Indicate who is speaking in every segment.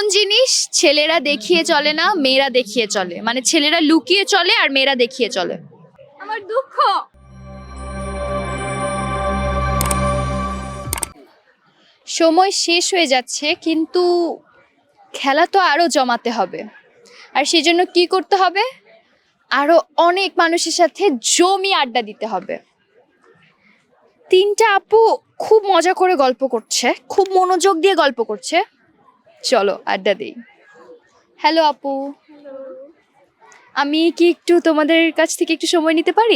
Speaker 1: কোন জিনিস ছেলেরা দেখিয়ে চলে না, মেয়েরা দেখিয়ে চলে? মানে ছেলেরা লুকিয়ে চলে আর মেয়েরা দেখিয়ে চলে।
Speaker 2: আমার দুঃখ।
Speaker 1: সময় শেষ হয়ে যাচ্ছে, কিন্তু খেলা তো আরো জমাতে হবে। আর সেই জন্য কি করতে হবে? আরো অনেক মানুষের সাথে জমি আড্ডা দিতে হবে। তিনটা আপু খুব মজা করে গল্প করছে, খুব মনোযোগ দিয়ে গল্প করছে। চলো আড্ডা দিই। হ্যালো আপু, আমি কি একটু তোমাদের কাছ থেকে একটু সময় নিতে পারি?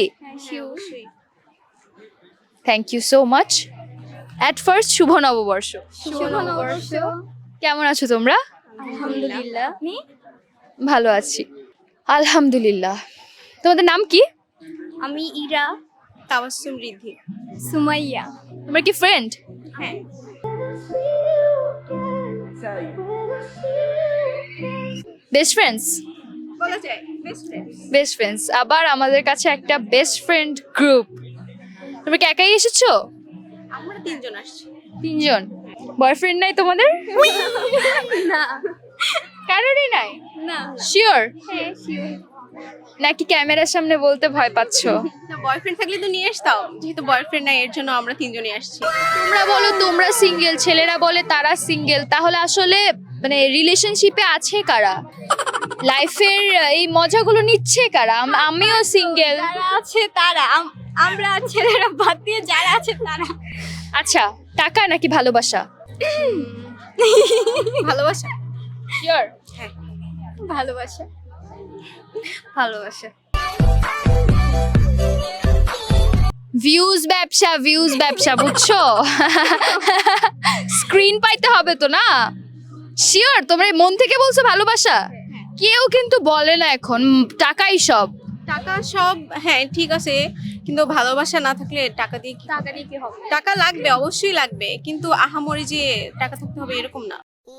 Speaker 1: Thank you so much. At first শুভ নববর্ষ।
Speaker 2: শুভ নববর্ষ।
Speaker 1: কেমন আছো তোমরা?
Speaker 2: আলহামদুলিল্লাহ।
Speaker 1: ভালো আছি আলহামদুলিল্লাহ। তোমাদের নাম কি?
Speaker 2: আমি ইরা।
Speaker 3: তাবাসসুম রিদ্ধি।
Speaker 2: সুমাইয়া।
Speaker 1: তোমরা কি ফ্রেন্ড?
Speaker 3: হ্যাঁ।
Speaker 1: Best friends?
Speaker 3: বলা যায় বেস্ট ফ্রেন্ড।
Speaker 1: Best friends. আবার আমাদের কাছে একটা বেস্ট ফ্রেন্ড গ্রুপ। তোমরা কি একাই এসেছো?
Speaker 3: আমরা তিনজন আসছি।
Speaker 1: তিনজন? বয়ফ্রেন্ড নাই তোমাদের?
Speaker 2: না
Speaker 1: কারোরই নাই?
Speaker 2: না।
Speaker 1: শিওর?
Speaker 2: হ্যাঁ শিওর।
Speaker 1: নাকি ক্যামেরার সামনে বলতে ভয় পাচ্ছো?
Speaker 3: না, বয়ফ্রেন্ড থাকলে তো নিয়ে আসতাম, যেহেতু বয়ফ্রেন্ড নাই এর জন্য আমরা তিনজনই আসছি।
Speaker 1: তোমরা বলো তোমরা সিঙ্গেল, ছেলেরা বলে তারা সিঙ্গেল। তাহলে আসলে মানে রিলেশনশিপে আছে কারা? লাইফের এই মজাগুলো নিচ্ছে কারা? আমিও সিঙ্গেল।
Speaker 2: যারা আছে তারা, আমরা ছেলেরা বাদ দিয়ে যারা আছে তারা।
Speaker 1: আচ্ছা, টাকা নাকি ভালোবাসা?
Speaker 3: ভালোবাসা।
Speaker 1: শিওর?
Speaker 3: হ্যাঁ।
Speaker 2: ভালোবাসা।
Speaker 3: ভালোবাসা।
Speaker 1: ভিউজ ব্যবসা, ভিউজ ব্যবসা, বুঝছো? স্ক্রিন পাইতে হবে তো না? শিওর? তোমরা মন থেকে বলছো ভালোবাসা? কেউ কিন্তু বলে না এখন, টাকাই সব।
Speaker 3: টাকা সব, হ্যাঁ ঠিক আছে, কিন্তু ভালোবাসা না থাকলে টাকা দিয়ে কি?
Speaker 2: টাকা দিয়ে কি হবে?
Speaker 3: টাকা লাগবে, অবশ্যই লাগবে, কিন্তু আহামরি যে টাকা থাকতে হবে এরকম না।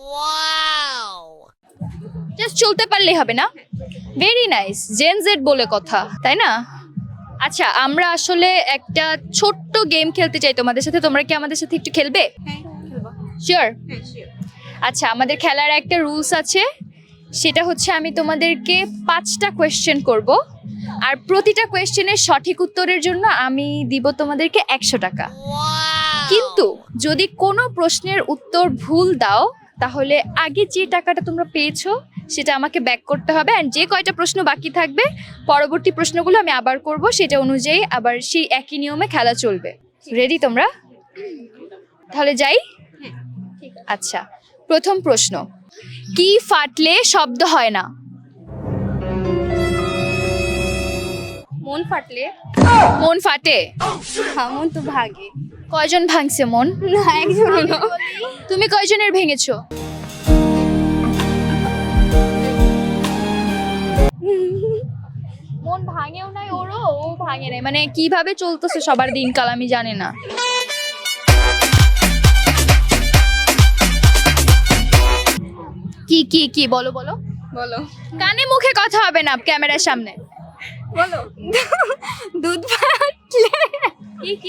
Speaker 1: জাস্ট চলতে পারলেই হবে না? Very nice. জেন জেড বলে কথা, তাই না? আচ্ছা, আমরা আসলে একটা ছোট্ট গেম খেলতে চাই তোমাদের সাথে। তোমরা কি আমাদের সাথে একটু খেলবে?
Speaker 3: হ্যাঁ খেলবো।
Speaker 1: শিওর?
Speaker 3: হ্যাঁ শিওর।
Speaker 1: আচ্ছা, আমাদের খেলার একটা রুলস আছে। সেটা হচ্ছে আমি তোমাদেরকে 5টা কোয়েশ্চেন করব, আর প্রতিটা কোয়েশ্চেনের সঠিক উত্তরের জন্য আমি দিব তোমাদেরকে 100 টাকা। কিন্তু যদি কোনো প্রশ্নের উত্তর ভুল দাও, তাহলে আগে যে টাকাটা তোমরা পেয়েছো সেটা আমাকে ব্যাক করতে হবে। আর যে কয়টা প্রশ্ন বাকি থাকবে, পরবর্তী প্রশ্নগুলো আমি আবার করব, সেটা অনুযায়ী আবার সেই একই নিয়মে খেলা চলবে। রেডি তোমরা? তাহলে যাই। আচ্ছা, প্রথম প্রশ্ন, কি ফাটলে শব্দ হয় না?
Speaker 2: মন ফাটলে?
Speaker 1: মন ফাটে?
Speaker 2: হ্যাঁ, মন তো ভাগে।
Speaker 1: কয়জন ভাঙছে মন?
Speaker 2: না, একজনও না।
Speaker 1: তুমি কয়জনের ভেঙেছো? মন ভাঙেও নাই ওরও, ও ভাঙে নাই। মানে কিভাবে চলতেছে সবার দিনকাল আমি জানি না। কি কি কি বলো বলো
Speaker 3: বলো।
Speaker 1: কানে মুখে কথা হবে না ক্যামেরার সামনে।
Speaker 3: বলো।
Speaker 2: দুধ ফাটলে?
Speaker 1: কি কি?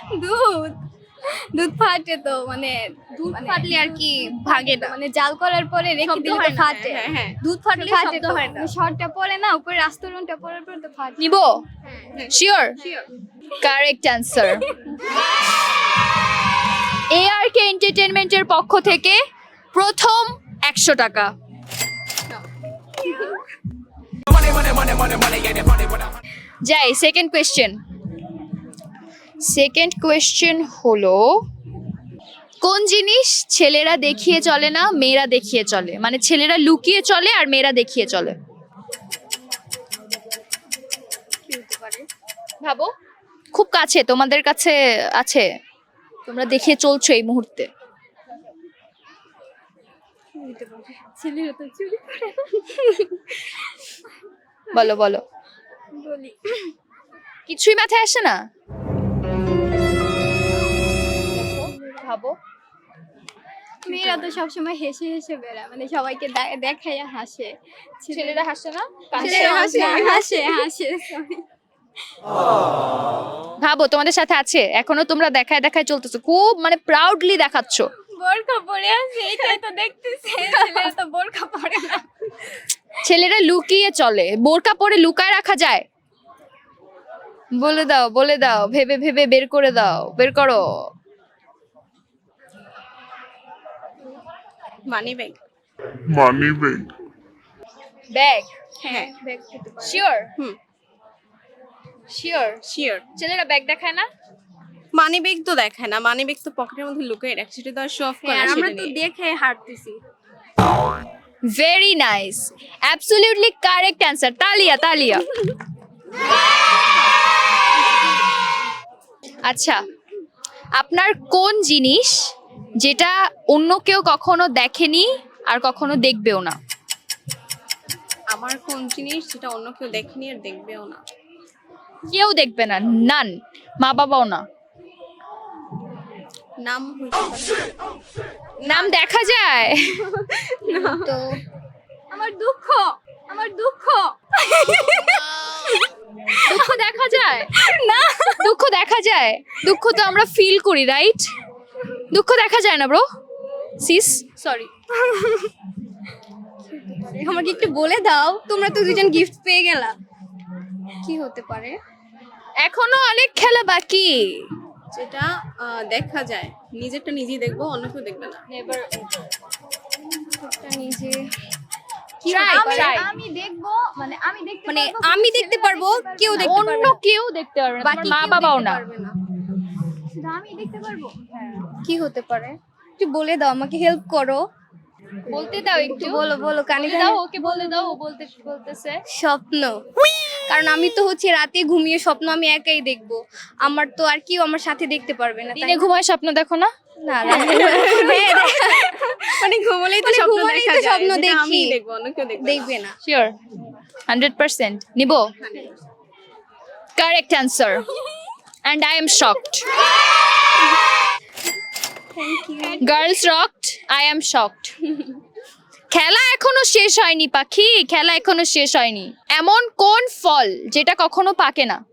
Speaker 2: দুধ ফাটে তো, মানে
Speaker 1: দুধ
Speaker 2: মানে
Speaker 1: ফাটলে আর কি ভাঙে না?
Speaker 2: মানে জাল করার পরে রেখে
Speaker 3: শব্দ
Speaker 2: দিলে
Speaker 3: হয়
Speaker 2: তো
Speaker 3: না।
Speaker 2: ফাটে।
Speaker 3: হ্যাঁ, হ্যাঁ।
Speaker 2: দুধ ফাটলে
Speaker 3: ফাটে
Speaker 2: শব্দ
Speaker 3: তো।
Speaker 2: হয় না। শর্টটা পরে না, উপরে আস্তরণটা পরার পরে তো ফাটে।
Speaker 1: নিব? শিওর? Correct answer. ARK এন্টারটেইনমেন্টের পক্ষ থেকে প্রথম 100 টাকা। যাই সেকেন্ড কোয়েশ্চেন। সেকেন্ড কোয়েশ্চেন হলো, কোন জিনিস ছেলেরা দেখিয়ে চলে না, মেয়েরা দেখিয়ে চলে? মানে ছেলেরা লুকিয়ে চলে আর মেয়েরা দেখিয়ে চলে। ভাবো, খুব কাছে, তোমাদের কাছে আছে, তোমরা দেখিয়ে চলছো এই মুহূর্তে।
Speaker 2: ছেলেরা তো চুরি করে।
Speaker 1: বলো বলো।
Speaker 2: বলি,
Speaker 1: কিছুই মাথায় আসে না? ভাবো।
Speaker 2: মেয়েরা তো সবসময় হেসে হেসে বেড়ায়, মানে সবাইকে দেখাইয়া হাসে।
Speaker 1: ছেলেরা হাসে না?
Speaker 2: ছেলেরা হাসে হাসে হাসে sorry।
Speaker 1: ভাবো তোমাদের সাথে আছে, এখনো তোমরা দেখায় দেখায় চলতেছো, খুব মানে প্রাউডলি দেখাচ্ছ।
Speaker 2: বোরকা পরে আছে, এটাই তো দেখতেছে। ছেলেরা তো বোরকা পরে না।
Speaker 1: ছেলেরা লুকিয়ে চলে, বোরকা পরে লুকায় রাখা যায়? বলে দাও, ভেবে ভেবে বের করে দাও, বের করো।
Speaker 3: Money bag.
Speaker 4: money bag,
Speaker 1: bag?
Speaker 3: হ্যাঁ
Speaker 1: শিওর?
Speaker 3: Hmm
Speaker 1: sure?
Speaker 3: শিওর।
Speaker 1: ছেলেরা ব্যাগ দেখায় না?
Speaker 3: মানি ব্যাগ তো দেখায় না, মানি ব্যাগ তো পকেটের মধ্যে লুকিয়ে রাখছে, সেটা তো আর শো অফ করে
Speaker 2: হ্যাঁ,
Speaker 3: না,
Speaker 2: আমরা
Speaker 3: সেটা
Speaker 2: তো
Speaker 3: নিয়ে।
Speaker 2: দেখে হাঁটতেছি।
Speaker 1: Very nice, absolutely correct answer. তালিয়া তালিয়া। আচ্ছা, আপনার কোন জিনিস যেটা অন্য কেউ কখনো দেখেনি আর কখনো দেখবেও না?
Speaker 3: আমার কোন জিনিস যেটা অন্য কেউ দেখেনি আর দেখবেও না?
Speaker 1: কেউ দেখবে না, নান, মা বাবাও না।
Speaker 3: নাম হইতে পারে।
Speaker 1: নাম দেখা যায়?
Speaker 2: তো আমার দুঃখ, আমার দুঃখ।
Speaker 1: দুঃখ দেখা যায় না? দুঃখ দেখা যায়? দুঃখ তো আমরা ফিল করি, রাইট? দুঃখ দেখা যায় না ব্রো, সিস, সরি।
Speaker 2: আমাকে একটু বলে দাও, তোমরা তো দুজন গিফট পেয়ে গেলা। কি হতে পারে?
Speaker 1: এখনো অনেক খেলা বাকি।
Speaker 3: যেটা দেখা যায়, নিজেরটা নিজেই দেখবো, অন্য কেউ দেখবে না।
Speaker 2: এটা নিজে
Speaker 1: Try, try.
Speaker 2: আমি দেখবো, মানে আমি দেখতে
Speaker 3: মানে
Speaker 2: পারবো,
Speaker 3: আমি দেখতে পারবো, কেউ দেখতে পারবে
Speaker 1: অন্য
Speaker 3: না।
Speaker 1: কেউ দেখতে পারবে না,
Speaker 2: বাকি
Speaker 1: তোমার মা
Speaker 2: কেউ
Speaker 1: বাবাও
Speaker 2: দেখতে
Speaker 1: না।
Speaker 2: পারবে না। শুধু আমি দেখতে পারবো। কি হতে পারে? একটু বলে দাও, আমাকে হেল্প করো।
Speaker 1: বলতে দাও একটু,
Speaker 2: বলো বলো, কানে
Speaker 1: বলে দাও, ওকে বলে দাও, ও বলতেছে।
Speaker 2: স্বপ্ন। কারণ আমি তো হচ্ছে রাতে ঘুমিয়ে স্বপ্ন আমি একাই দেখবো, আমার তো আর কেউ আমার সাথে দেখতে পারবে না। তাই
Speaker 1: দিনে
Speaker 2: না?
Speaker 1: ঘুমায় স্বপ্ন দেখো না?
Speaker 2: না রাতে হ্যাঁ,
Speaker 3: মানে ঘুমলেই তো
Speaker 2: মানে
Speaker 3: স্বপ্ন
Speaker 2: ঘুমোলেই
Speaker 3: দেখা
Speaker 2: তো
Speaker 3: যায়,
Speaker 2: স্বপ্ন
Speaker 3: যেটা আমি
Speaker 2: দেখি।
Speaker 3: দেখবো, অন্য কেউ দেখবে না।
Speaker 2: দেখবে না।
Speaker 1: শিওর? 100% নিব? Correct answer, and I am shocked. Girls rocked, I am shocked. খেলা এখনো শেষ হয়নি পাখি, খেলা এখনো শেষ হয়নি। এমন কোন ফল যেটা কখনো পাকে না?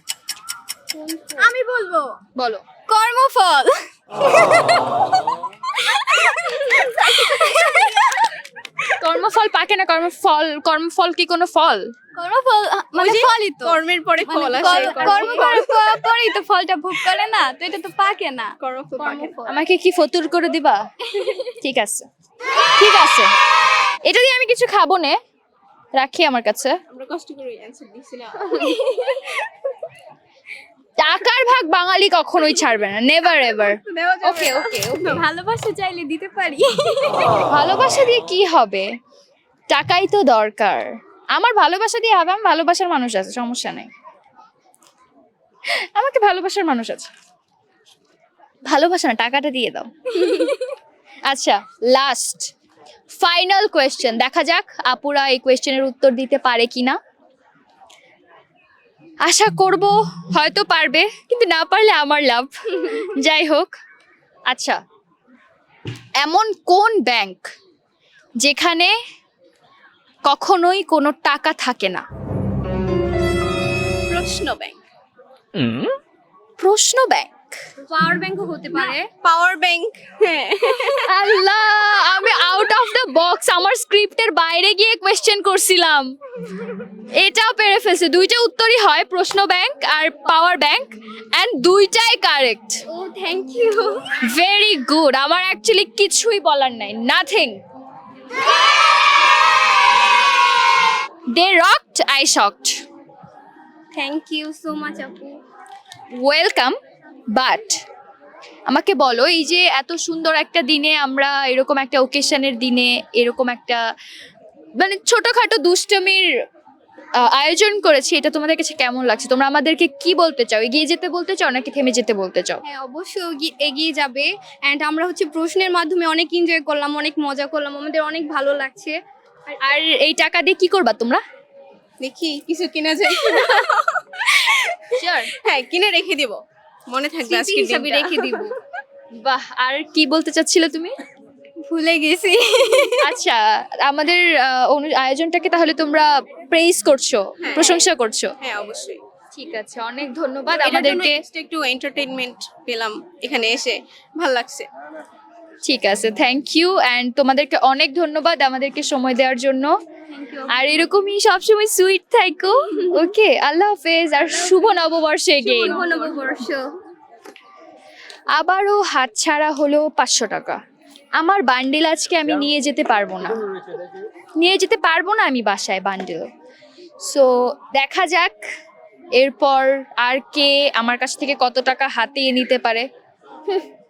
Speaker 2: আমি বলবো
Speaker 1: বলো।
Speaker 2: কর্মফল।
Speaker 1: কর্মফল পাকে না? কর্মফল কি কোনো ফল?
Speaker 2: কর্মফল মানে ফলই তো।
Speaker 3: কর্মের পরে ফল
Speaker 2: মানে
Speaker 3: আসে,
Speaker 2: কর্ম করার পরেই তো ফলটা ভোগ করে না, তো এটা তো পাকে না।
Speaker 3: কর্মফল পাকে না।
Speaker 2: কর্মফল।
Speaker 1: আমাকে কি ফতুর করে দিবা? ঠিক আছে, ঠিক আছে, এটা দিয়ে আমি কিছু খাবো নে, রাখি আমার কাছে।
Speaker 3: আমরা কষ্ট করে অ্যানসার দিছিলাম।
Speaker 1: টাকার ভাগ বাঙালি কখনোই ছাড়বে না, নেভার এভার।
Speaker 3: দেওয়া যাবে
Speaker 1: ওকে
Speaker 3: না।
Speaker 1: ওকে।
Speaker 2: ভালোবাসা চাইলে দিতে পারি।
Speaker 1: ভালোবাসা দিয়ে কি হবে? টাকাই তো দরকার। আমার ভালোবাসা দিয়ে হবে, আমার ভালোবাসার মানুষ আছে, সমস্যা নাই। আমাকে ভালোবাসার মানুষ আছে, ভালোবাসা না, টাকাটা দিয়ে দাও। আচ্ছা, লাস্ট ফাইনাল কোয়েশ্চেন, দেখা যাক আপুরা এই কোয়েশ্চেনের উত্তর দিতে পারে কিনা। আশা করব হয়তো পারবে, কিন্তু না পারলে আমার লাভ। যাই হোক, আচ্ছা, এমন কোন ব্যাংক যেখানে কখনোই কোনো টাকা থাকে না?
Speaker 3: প্রশ্ন ব্যাংক।
Speaker 1: প্রশ্ন ব্যাংক?
Speaker 2: পাওয়ার ব্যাংকও হতে পারে।
Speaker 3: Power bank. হ্যাঁ,
Speaker 1: আল্লাহ, আমি আউট অফ দ্য বক্স, আমার স্ক্রিপ্টের বাইরে গিয়ে কোয়েশ্চেন করছিলাম, এটাও পেরে ফেলছে। দুইটা উত্তরই হয়, প্রশ্ন ব্যাংক আর পাওয়ার ব্যাংক, এন্ড দুইটাই কারেক্ট।
Speaker 2: ও থ্যাংক ইউ।
Speaker 1: ভেরি গুড, আমার অ্যাকচুয়ালি কিছুই বলার নাই, nothing. They rocked, I shocked.
Speaker 2: Thank you so much আপু।
Speaker 1: ওয়েলকাম। বাট আমাকে বলো, এই যে এত সুন্দর একটা দিনে আমরা, এরকম একটা ওকেশনের দিনে, এরকম একটা মানে ছোটখাটো দুষ্টমির আয়োজন করেছি, এটা তোমাদের কাছে কেমন লাগছে? তোমরা আমাদেরকে কি বলতে চাও? এগিয়ে যেতে বলতে চাও নাকি থেমে যেতে বলতে চাও?
Speaker 2: হ্যাঁ অবশ্যই এগিয়ে যাবে। অ্যান্ড আমরা হচ্ছে প্রশ্নের মাধ্যমে অনেক এনজয় করলাম, অনেক মজা করলাম, আমাদের অনেক ভালো লাগছে।
Speaker 1: আর এই টাকা দিয়ে কি করবা তোমরা?
Speaker 3: দেখি কিছু কিনা যায়।
Speaker 1: শিওর?
Speaker 3: হ্যাঁ, কিনে রেখে দিব, মনে থাকবে
Speaker 2: স্মৃতি
Speaker 3: আজকে
Speaker 2: হিসাবে রেখে দিব।
Speaker 1: বাহ, আর কি বলতে চাচ্ছিলে তুমি?
Speaker 2: ভুলে গেছি।
Speaker 1: আচ্ছা, আমাদের আয়োজনটাকে তাহলে তোমরা প্রেইজ করছো,
Speaker 3: হ্যাঁ।
Speaker 1: প্রশংসা করছো।
Speaker 3: হ্যাঁ অবশ্যই।
Speaker 1: ঠিক আছে, অনেক ধন্যবাদ
Speaker 3: এটার জন্য
Speaker 1: আমাদেরকে।
Speaker 3: extra একটু এন্টারটেইনমেন্ট পেলাম এখানে এসে, ভালো লাগছে।
Speaker 1: ঠিক আছে, থ্যাংক ইউ অ্যান্ড তোমাদেরকে অনেক ধন্যবাদ আমাদেরকে সময় দেওয়ার জন্য। আর এরকমই সবসময় সুইট থাকো। ওকে, আল্লাহ হাফেজ আর শুভ নববর্ষ এগেইন।
Speaker 2: শুভ নববর্ষ।
Speaker 1: আবারও হাতছাড়া হলো 500 টাকা। আমার বান্ডিল আজকে আমি নিয়ে যেতে পারবো না, আমি বাসায় বান্ডিল। সো দেখা যাক এরপর আর কে আমার কাছ থেকে কত টাকা হাতিয়ে নিতে পারে।